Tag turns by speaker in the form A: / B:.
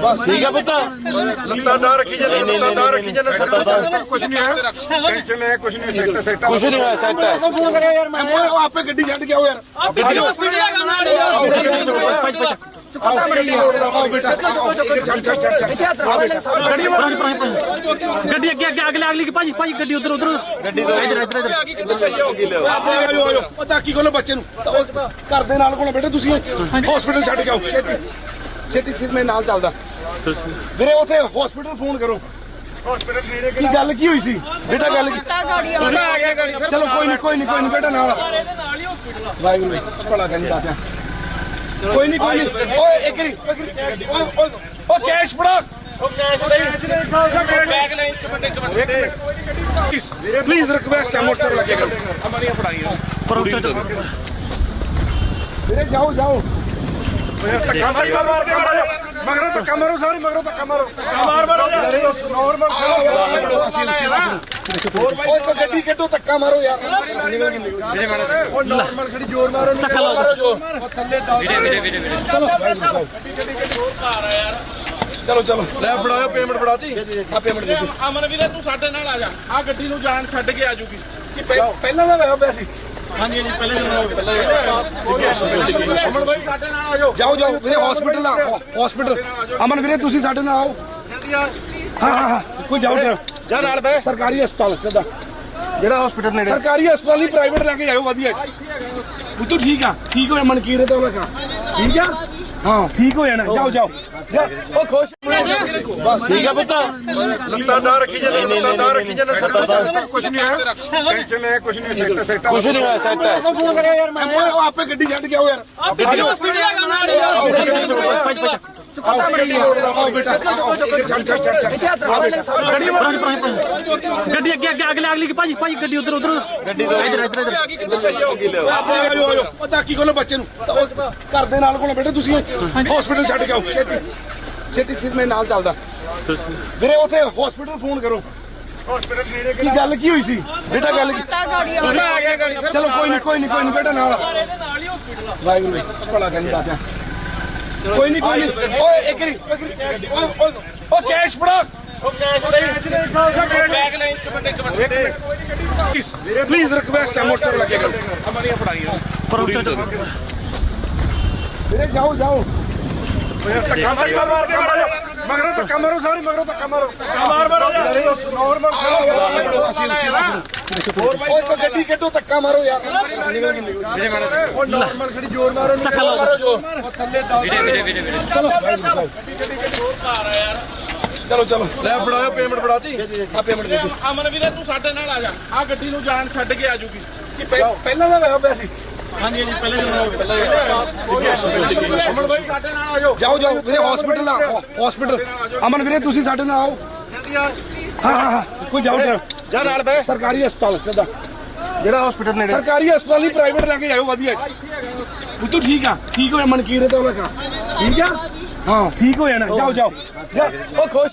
A: ठीक है पुत्र
B: लत्तादार रखी जाने लत्तादार रखी जाने कुछ नहीं है टेंशन है कुछ नहीं सेट सेट
A: कुछ नहीं हुआ सेट है
B: फोन करे यार मैं आप पे गड्डी छड़ के आओ यार
C: ਗੱਡੀ ਅੱਗੇ ਅੱਗੇ ਅਗਲੇ ਅਗਲੀ ਭਾਜੀ ਭਾਜੀ ਗੱਡੀ ਉਧਰ ਉਧਰ ਗੱਡੀ ਇਧਰ ਇਧਰ
B: ਪਤਾ ਕੀ ਕੋਲ ਬੱਚੇ ਨੂੰ ਘਰ ਦੇ ਨਾਲ ਕੋਲ ਬੇਟੇ ਤੁਸੀਂ ਹਸਪੀਟਲ ਛੱਡ ਕੇ ਆਓ ਛੇਤੀ ਛੇਤੀ ਮੈਂ ਨਾਲ ਚੱਲਦਾ ਵੀਰੇ ਉਥੇ ਹਸਪੀਟਲ ਫੋਨ ਕਰੋ ਕੀ ਗੱਲ ਕੀ ਹੋਈ ਸੀ ਬੇਟਾ ਗੱਲ ਕੀ ਚਲੋ ਕੋਈ ਨਹੀਂ ਬੇਟਾ ਨਾਲ ਵਾਹਿਗੁਰੂ ਭਲਾ ਕਰੀ ਬਾਤਾਂ ਕੋਈ ਨਹੀਂ ਓਏ ਇੱਕ ਓ ਕੈਸ਼ ਫੜਾ
A: बैग नहीं
B: प्लीज रिक्वेस्ट है मोटरसाइकिल लगे करो जाओ जाओ मगरों तक मारो सारी मगरों तक मारो गड्डी कटो धक्का मारो यार नॉर्मल खड़ी जोर मारो चलो चलो ले फड़ाओ पेमेंट फड़ाती आ पेमेंट दे
A: अमन वीरे तू साडे नाल आ जा आ गड्डी नु जान छड्ड के आ जूगी
B: कि पहला ना होया पिया सी
A: हां जी पहले अमन भाई साडे नाल आ जाओ
B: जाओ वीरे हॉस्पिटल हॉस्पिटल अमन वीरे तुसी साडे नाल आओ
A: जल्दी आ
B: हां कोई जाओ
A: जा नाल बे
B: सरकारी अस्पताल सदा
A: जेड़ा हॉस्पिटल नेड़े
B: सरकारी अस्पताल ही प्राइवेट लेके जाओ वधिया वो तो ठीक हो मनकीर तो लगा ठीक है हाँ ठीक हो जाना जाओ ओ खुश
A: ठीक है पुत्र
B: लत्तादार रखी जाने कुछ नहीं है टेंशन है कुछ नहीं सेट सेट
A: कुछ नहीं हुआ सेट है
B: फोन करे यार मैं आप पे गड्डी छड़ के आओ यार
C: ਗੱਡੀ ਅੱਗੇ ਅੱਗੇ ਅਗਲੇ ਅਗਲੀ ਭਾਜੀ ਭਾਜੀ ਗੱਡੀ ਉਧਰ ਉਧਰ ਗੱਡੀ ਇਧਰ ਇਧਰ
B: ਪਤਾ ਕੀ ਕੋਲ ਬੱਚੇ ਨੂੰ ਘਰ ਦੇ ਨਾਲ ਕੋਲ ਬੇਟੇ ਤੁਸੀਂ ਹਸਪੀਟਲ ਛੱਡ ਕੇ ਆਓ ਛੇਤੀ ਮੈਂ ਨਾਲ ਚੱਲਦਾ ਵੀਰੇ ਉਥੇ ਹਸਪੀਟਲ ਫੋਨ ਕਰੋ ਕੀ ਗੱਲ ਕੀ ਹੋਈ ਸੀ ਬੇਟਾ ਗੱਲ ਕੀ ਚਲੋ ਕੋਈ ਨਹੀਂ ਬੇਟਾ ਨਾਲ ਵਾਹਿਗੁਰੂ ਭਲਾ ਕਰੀ ਬਾਤਾਂ ਕੋਈ ਨਹੀਂ ਓਏ ਇੱਕ ਓ ਕੈਸ਼ ਫੜਾ
A: बैग नहीं
B: प्लीज रिक्वेस्ट है मोटरसाइकिल लगे करो वीरे जाओ मगरों धक्का मारो सारी मगरों धक्का मारो गड्डी कटो धक्का मारो यार नॉर्मल खड़ी जोर मारो चलो ले फड़ाओ पेमेंट फड़ाती आ पेमेंट दे
A: अमन वीरे तू साडे नाल आ जा आ गड्डी नु जान छड्ड के आ जूगी
B: कि पहला ना होया पिया सी
A: हां जी पहले अमन भाई साडे नाल आ
B: जाओ वीरे हॉस्पिटल अमन वीरे तुसी साडे नाल आओ
A: जल्दी आ
B: हां कोई जाओ
A: जा नाल बे
B: सरकारी अस्पताल सदा
A: जेड़ा हॉस्पिटल नेड़े
B: सरकारी अस्पताल ही प्राइवेट लेके जाओ वधिया वो तो ठीक हो मनकीर तो लगा ठीक है हाँ ठीक हो जाना जाओ ओ खुश